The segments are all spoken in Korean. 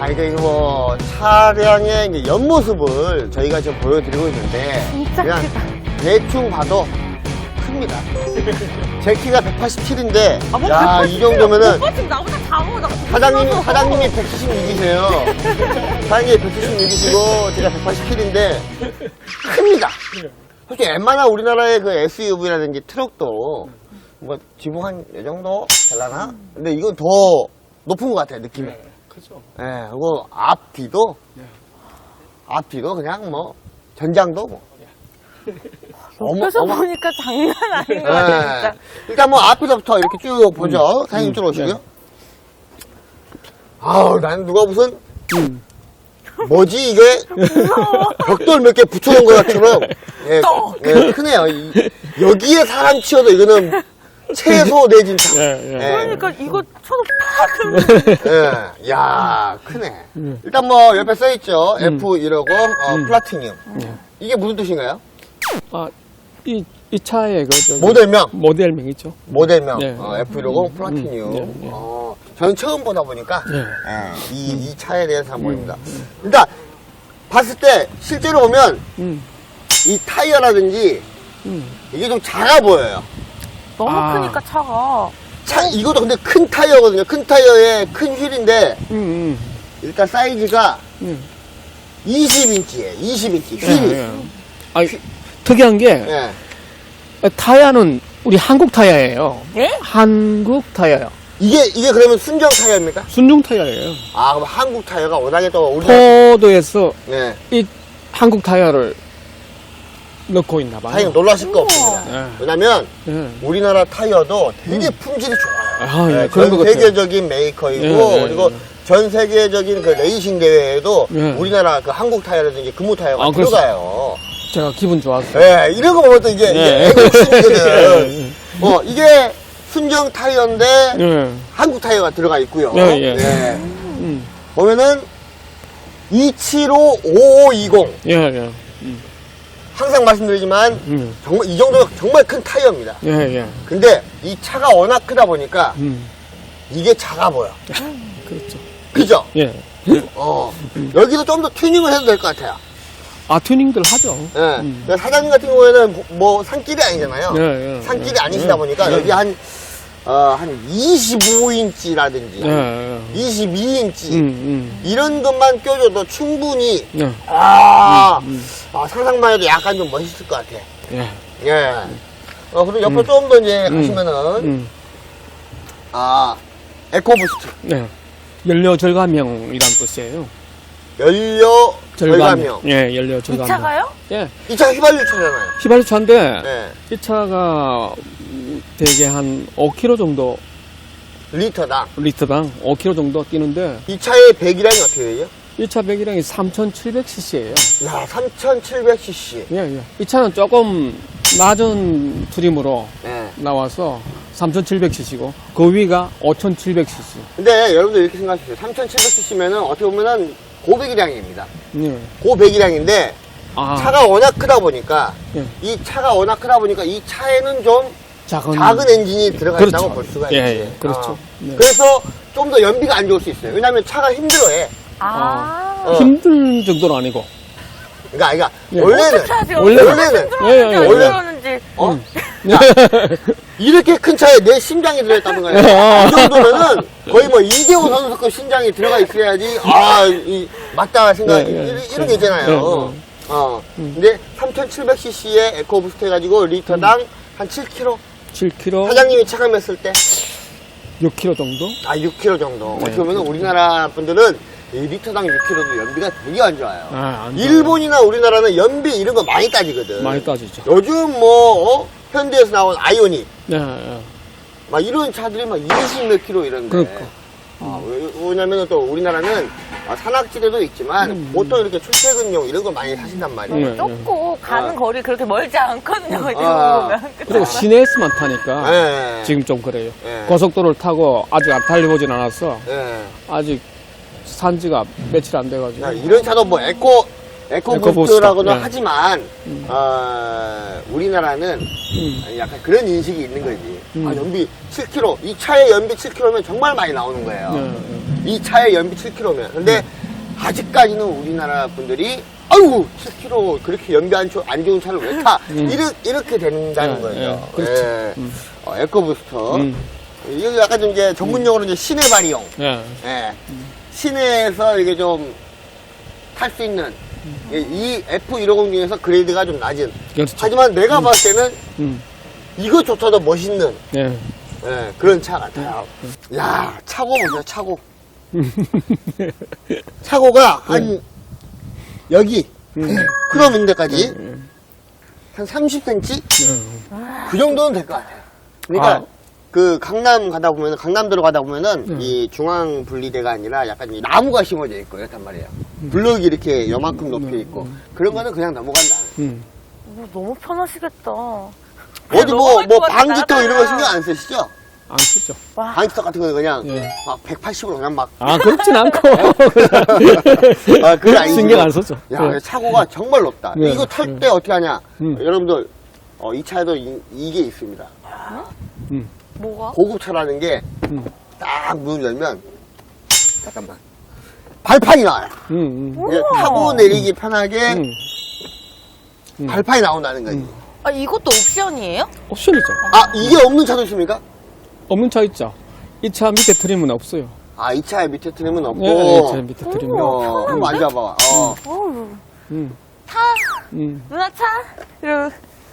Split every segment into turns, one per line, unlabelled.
이게 뭐 차량의 이제 옆모습을 저희가 지금 보여드리고 있는데
진짜
그냥
크다.
대충 봐도 큽니다. 제 키가 187인데
아, 뭐
야, 이 정도면은
오빠 지금 나보다 작아. 나
사장님이 176이세요. 사장님이 176이시고 제가 187인데 큽니다. 솔직히 웬만한 우리나라의 그 SUV라든지 트럭도 뭐 지붕 한 이 정도 될라나? 근데 이건 더 높은 것 같아요, 느낌이.
그죠.
예, 그리고 앞뒤도 그냥 뭐 전장도 뭐.
옆에서 보니까 장난 아닌 거 같아, 진짜.
일단 뭐 앞에서부터 이렇게 쭉 보죠. 사장님 이쪽으로 오시고요. 아우, 나는 누가 무슨 뭐지 이게 벽돌 몇 개 붙여놓은 것처럼 예, 크네요. 여기에 사람 치워도 이거는 최소 내진탕.
그러니까 이거 쳐도 팍!
야, 크네. 일단 뭐 옆에 써있죠. F150 플라티늄. 이게 무슨 뜻인가요?
아, 이 차의 그 저기
모델명.
모델명이죠.
모델명.
네.
F150 플라티늄. 저는 처음 보다 보니까 이 차에 대해서 한번 봅니다. 일단 봤을 때 실제로 보면 이 타이어라든지 이게 좀 작아 보여요.
너무
아.
크니까 차가.
이것도 근데 큰 타이어거든요. 큰 타이어에 큰 휠인데 일단 사이즈가 20인치예요. 20인치 휠이.
아, 특이한 게
예.
타이어는 우리 한국 타이어예요.
예?
한국 타이어요.
이게 그러면 순정 타이어입니까?
순중 타이어예요.
아, 그럼 한국 타이어가 워낙에 또 우리나라
포도에서
네.
이 한국 타이어를 넣고 있나 봐요.
사장님 놀라실 거 없습니다.
네.
왜냐면
네.
우리나라 타이어도 되게 품질이 좋아요.
아, 예,
네,
그런 것
전
같아요.
세계적인 메이커이고
예, 예,
그리고
예.
전 세계적인 그 레이싱 대회에도
예.
우리나라 그 한국 타이어라든지 금호 타이어가
아, 그래서-
들어가요.
제가 기분 좋았어요.
예, 이런 거 보면 또 이게
예.
애국심이거든. 이게 순정 타이어인데
예.
한국 타이어가 들어가 있고요.
예, 예.
예. 보면은 275-5520
예, 예.
항상 말씀드리지만 정말 이 정도 정말 큰 타이어입니다.
예, 예.
근데 이 차가 워낙 크다 보니까 이게 작아 보여.
그렇죠.
그죠?
예.
여기도 좀 더 튜닝을 해도 될 것 같아요.
아, 튜닝들 하죠.
예. 그러니까 사장님 같은 경우에는 뭐 산길이 아니잖아요.
예, 예.
산길이 아니시다 보니까 여기 한 25인치라든지
예, 예.
22인치 이런 것만 껴줘도 충분히
예.
상상만 해도 약간 좀 멋있을 것 같아.
예.
예. 그리고 옆으로 조금 더 이제 가시면은 에코부스트
네. 연료 절감형이란 뜻이에요.
연료 절감형.
예, 연료 절감형.
이 차가요?
예.
이 차가 휘발유 차잖아요.
휘발유 차인데
네.
이 차가 대개 한 5km 정도
리터당.
리터당 5km 정도 뛰는데
이 차의 배기량이 어떻게 되죠?
이 차 배기량이 3,700cc예요.
야, 3,700cc.
예, 예. 이 차는 조금 낮은 트림으로
네.
나와서 3,700cc고 그 위가 5,700cc.
근데 여러분들 이렇게 생각하세요. 3,700cc면은 어떻게 보면은 고배기량입니다.
예.
고배기량인데
아,
차가 워낙 크다 보니까
예.
이 차가 워낙 크다 보니까 이 차에는 좀 작은 엔진이 들어가
그렇죠.
있다고 볼 수가 있지.
예, 예. 그렇죠. 네.
그래서 좀 더 연비가 안 좋을 수 있어요. 왜냐하면 차가 힘들어해.
힘든 정도는 아니고.
그러니까
예.
원래는
어떻게 하세요?
원래는
예, 예,
안
원래-
들었는지.
이렇게 큰 차에 내 심장이 들어있다는 거예요. 이 정도면은 거의 뭐 이대호 선수급 심장이 들어가 있어야지 맞다 생각
네, 네,
이런 게 있잖아요. 근데 3,700cc의 에코부스트 해가지고 리터당 한 7km.
7km,
사장님이 차감했을 때
6km 정도?
6km 정도.
네.
어떻게 보면 우리나라 분들은 이 리터당 6km도 연비가 되게 안 좋아요.
안 좋아요.
일본이나 우리나라는 연비 이런 거 많이 따지거든.
많이 따지죠.
요즘 뭐 현대에서 나온 아이오닉
네, 네.
막 이런 차들이 막 20 몇 킬로 이런데.
그러니까.
왜냐면 또 우리나라는 산악지대도 있지만 보통 이렇게 출퇴근용 이런 거 많이 사신단 말이에요.
네.
좁고 가는 거리 그렇게 멀지 않거든요. 어디
아.
보면.
그리고 시내에서만 타니까
네.
지금 좀 그래요.
네.
고속도로를 타고 아직 안 달려보진 않았어.
네.
아직 산지가 며칠 안 돼가지고.
이런 차도 뭐 에코부스트라고는
예.
하지만 우리나라는 약간 그런 인식이 있는 거지. 아, 연비 7km, 이 차의 연비 7km면 정말 많이 나오는 거예요. 이 차의 연비 7km면. 근데 아직까지는 우리나라 분들이 아이고 7km 그렇게 연비 안 좋은 차를 왜 타? 이렇게 된다는 거예요.
그렇죠.
예. 에코부스터. 이거 약간 좀 이제 전문용어로 이제 시내 발이용.
예.
예. 시내에서 이게 좀 탈 수 있는 이 F150 중에서 그레이드가 좀 낮은.
그렇죠.
하지만 내가 봤을 때는 이것조차도 멋있는
예.
예, 그런 차 같아요. 야, 차고 보세요, 차고. 차고가 한 여기 크롬 인데까지 한 30cm? 그 정도는 될 것 같아요. 그러니까
아.
그 강남 가다 보면은 강남도로 가다 보면은 이 중앙 분리대가 아니라 약간 이 나무가 심어져 있고 이렇단 말이에요. 블럭이 이렇게 요만큼 높여 있고 그런 거는 그냥 넘어간다.
너무 편하시겠다.
어디 뭐
넘어갈 것 같아,
방지턱 이런 거
나가라.
신경 안 쓰시죠?
안 쓰죠.
와,
방지턱 같은 거 그냥
예.
막 180으로 그냥 막
아, 그렇진 않고.
아, 그게 아니죠.
신경 안 썼죠.
야,
예.
차고가 정말 높다.
네.
이거 탈 때 어떻게 하냐?
음.
여러분들, 이 차에도 이게 있습니다.
뭐가?
고급차라는 게
음.
딱 문을 열면, 잠깐만. 발판이 나와요. 이게 타고 내리기 편하게 발판이 나온다는 거지.
아, 이것도 옵션이에요?
옵션이죠.
아, 이게 없는 차도 있습니까?
없는 차 있죠. 이 차 밑에 트림은 없어요.
아, 이 차에 밑에 트림은 없고.
예, 이 차 밑에 트림은 없고.
한번 앉아봐.
어우,
음.
타!
음.
누나 타! 이러고.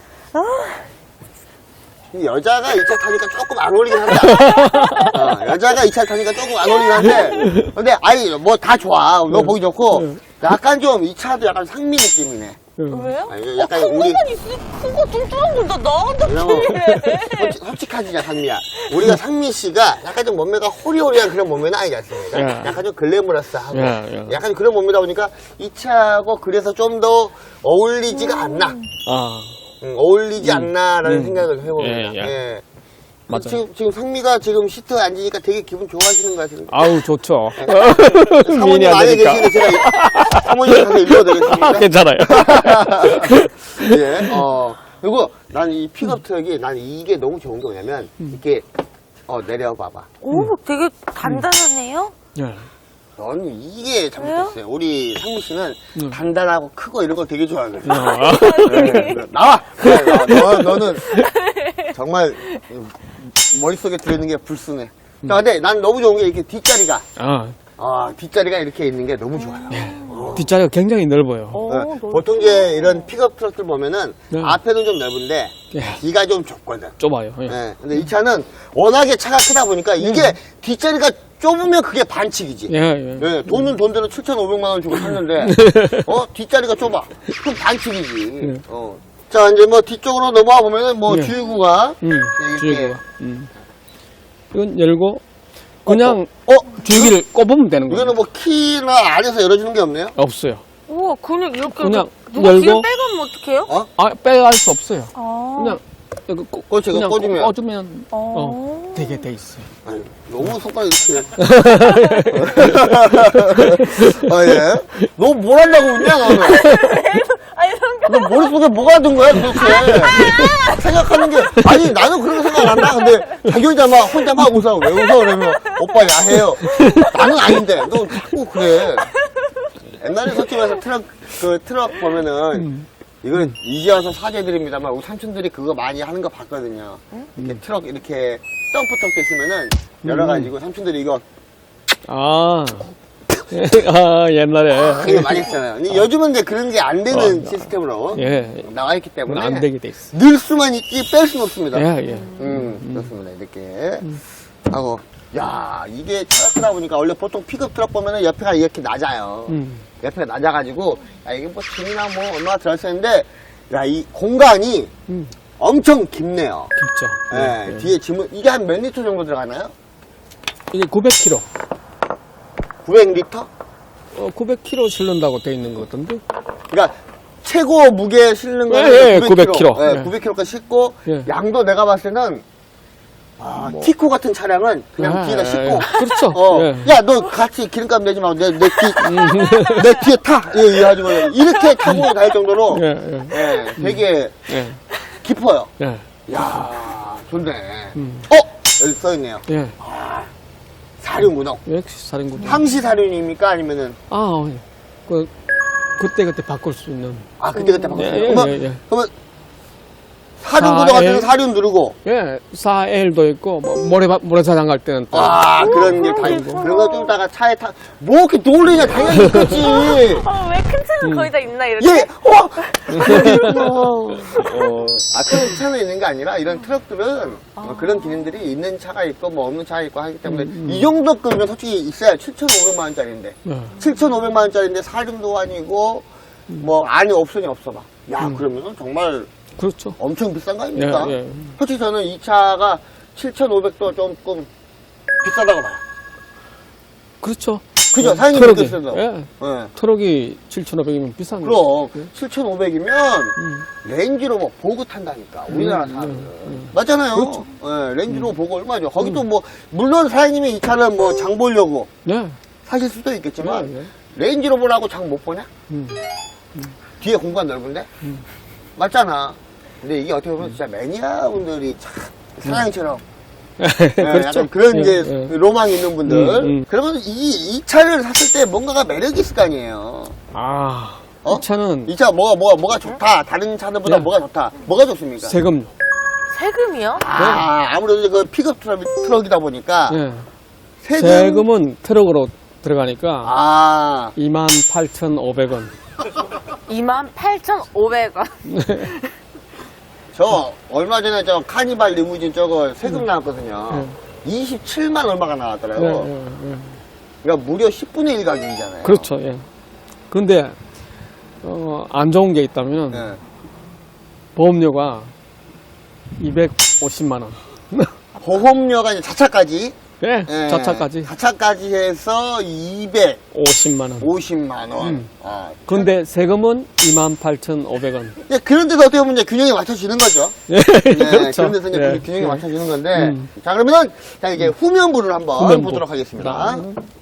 여자가 이 차 타니까 조금 안 어울리긴 한다. 여자가 이 차 타니까 조금 안 어울리긴 한데, 근데, 아이, 뭐 다 좋아. 너 보기 좋고, 약간 좀, 이 차도 약간 상미 느낌이네.
왜요?
아니, 약간
큰
우리-
거만 있으니 큰거 뚱뚱한 걸 다 나한테
왜냐면,
필요해.
솔직하지냐, 상미야. 우리가 상미 씨가 약간 좀 몸매가 호리호리한 그런 몸매는 아니지 않습니까?
예.
약간 좀 글래머러스하고,
예.
약간 그런 몸매다 보니까 이 차하고 그래서 좀 더 어울리지가 않나.
아,
어울리지 않나라는 생각을 해봅니다.
예, 예.
예.
맞아요.
지금 상미가 지금 시트에 앉으니까 되게 기분 좋아하시는 것 같은데.
아우, 좋죠.
사모님
미인이
안에
아니니까.
계시는데 제가 사모님 가서 읽어드리겠습니다.
괜찮아요.
예, 그리고 난 이 픽업 트럭이 난 이게 너무 좋은 게 뭐냐면 이렇게 내려봐봐.
오, 되게 단단하네요?
예.
넌 이게 잘못됐어요.
왜요?
우리 상무 씨는 단단하고 크고 이런 거 되게 좋아하거든.
아,
네, 나와. 너는 정말 머릿속에 들어있는 게 불순해. 자, 근데 난 너무 좋은 게 이렇게 뒷자리가 뒷자리가 이렇게 있는 게 너무 좋아요.
뒷자리가 굉장히 넓어요.
네, 보통 이제 이런 픽업 트럭들 보면은
네.
앞에는 좀 넓은데
예.
뒤가 좀 좁거든.
좁아요. 예.
네, 근데 이 차는 워낙에 차가 크다 보니까 이게 뒷자리가 좁으면 그게 반칙이지.
예, 예.
네, 돈은 돈대로 7,500만 원 주고 샀는데 뒷자리가 좁아. 그럼 반칙이지. 자, 이제 뭐 뒤쪽으로 넘어와 보면은 뭐
예.
주유구가 이렇게
주유구가. 이건 열고 그냥 주유기를 꼽으면 되는 거예요.
이거는 뭐 키나 안에서 열어주는 게 없네요.
없어요.
우와, 그냥 이렇게.
그냥
누가
열고-
뒤에 빼가면 어떡해요?
아, 빼갈 수 없어요.
아.
그냥 이거
그렇지,
그냥
꽂으면.
꽂으면 되게 돼 있어요.
아니, 너무 손가락 이렇게. 예. 너 뭘 하려고 웃냐, 너는?
아니,
너 머릿속에 뭐가 든 거야, 도대체? 생각하는 게, 아니, 나는 그렇게 생각 안 한다. 근데, 자기 혼자 막 웃어. 왜 웃어? 그러면, 오빠 야해요. 나는 아닌데, 너 자꾸 그래. 옛날에 솔직히 트럭 보면은, 이건 이제 와서 사죄드립니다만, 우리 삼촌들이 그거 많이 하는 거 봤거든요. 이렇게 트럭, 이렇게, 덤프트럭 있으면은, 열어가지고, 삼촌들이 이거,
아, 옛날에
이거 많이 했잖아요. 근데 요즘은 이제 그런 게 안 되는 시스템으로
예,
나와 있기 때문에,
안 되게 돼 있어.
늘 수만 있지 뺄 수는 없습니다.
예.
그렇습니다. 이렇게 하고, 야, 이게 차가 크다 보니까 원래 보통 픽업 트럭 보면은 옆에가 이렇게 낮아요. 옆에가 낮아가지고, 야, 이게 뭐 짐이나 뭐 얼마나 들어있었는데, 야, 이 공간이 엄청 깊네요.
깊죠.
예, 뒤에 짐은 이게 한 몇 리터 정도 들어가나요?
이게 900kg.
900리터?
900kg 실른다고 돼 있는 것 같던데.
그러니까 최고 무게 실는 거는
예,
900kg.
900kg.
예,
예.
900kg까지 싣고
예.
양도 내가 봤을 때는 티코 같은 차량은 그냥 뒤에다 싣고.
그렇죠. 예.
야, 너 같이 기름값 내지 말고 내 뒤에 타. 예, 하지 말고. 이렇게 타고 다닐 정도로.
예, 예.
예, 되게
예.
깊어요.
예.
야, 좋네.
음.
여기 써있네요.
예.
사륜구동.
역시 사령군.
항시 사륜입니까? 아니면은,
예. 그때 바꿀 수 있는.
그때 바꿨어요.
예,
그러면,
예, 예.
그러면, 사륜구동 같은 데 사륜 누르고,
예, 4L도 있고, 모래사장 갈 때는 또.
그런 게 다 있고. 그런 거 좀 이따가 차에 뭐 이렇게 놀리냐, 당연히 있겠지.
왜 큰 차는 거의 다 있나 이렇게?
예, 그런 차는 있는 게 아니라 이런 트럭들은 그런 기능들이 있는 차가 있고 뭐 없는 차가 있고 하기 때문에 이 정도 급이면 솔직히 있어야 7,500만 원짜리인데
예.
7,500만 원짜리인데 사륜도 아니고 뭐 안에 옵션이 없어 봐. 야, 그러면 정말
그렇죠.
엄청 비싼 거 아닙니까?
예, 예.
솔직히 저는 이 차가 7,500도 조금 비싸다고 봐요.
그렇죠.
그죠? 사장님
트럭이.
느꼈어도.
예.
예.
트럭이 7,500이면 비싼 거.
그럼 7,500이면 렌지로버 보고 탄다니까 우리나라 사람들 맞잖아요.
그렇죠.
예, 렌지로버 보고 얼마죠? 거기도 뭐 물론 사장님이 이 차는 뭐 장 보려고
네.
사실 수도 있겠지만
네, 네.
렌지로버라고 장 못 보냐? 뒤에 공간 넓은데 맞잖아. 근데 이게 어떻게 보면 진짜 매니아분들이 참 사장님처럼 예,
그렇죠.
약간 그런
예,
이제
예.
로망 있는 분들.
음.
그러면 이 차를 샀을 때 뭔가가 매력이 있을 거 아니에요. 이
차는
이 차 뭐가 좋다. 다른 차들보다
야.
뭐가 좋다. 뭐가 좋습니까?
세금.
세금이요?
아무래도 그 픽업 트럭이다 보니까
예.
세금.
세금은 트럭으로 들어가니까 28,500원.
28,500원.
저 얼마 전에 저 카니발 리무진 저거 세금 나왔거든요. 27만 얼마가 나왔더라고. 그러니까 무려 10분의 1 가격이잖아요.
그렇죠. 예. 그런데 안 좋은 게 있다면
예.
보험료가 250만 원.
보험료가 이제 자차까지.
예.
예,
자차까지
자차까지 해서
50만 원.
250만 원.
음. 그런데 세금은 28,500원.
예, 그런 데서 어떻게 보면 이제 균형이 맞춰지는 거죠.
예.
네,
그렇죠.
그런 데서 이제
예.
균형이
예.
맞춰지는 건데. 자, 그러면은, 자, 이제 후면부를 한번
후면부.
보도록 하겠습니다.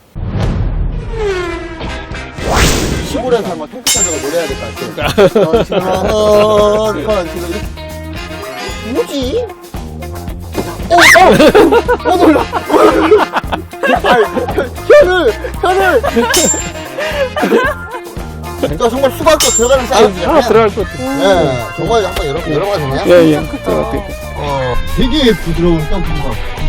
시골에서 한번 통기타자가 노래해야 될 것 같아요. 지금 뭐지? 놀라. 혀를. 정말 수박도 들어가는 사이즈잖아요.
들어갈 것 같아요.
네, 정말 한번 열어봐도 되나요?
예, 예. 들어갈 것 같아요.
되게 부드러운 떡국밥.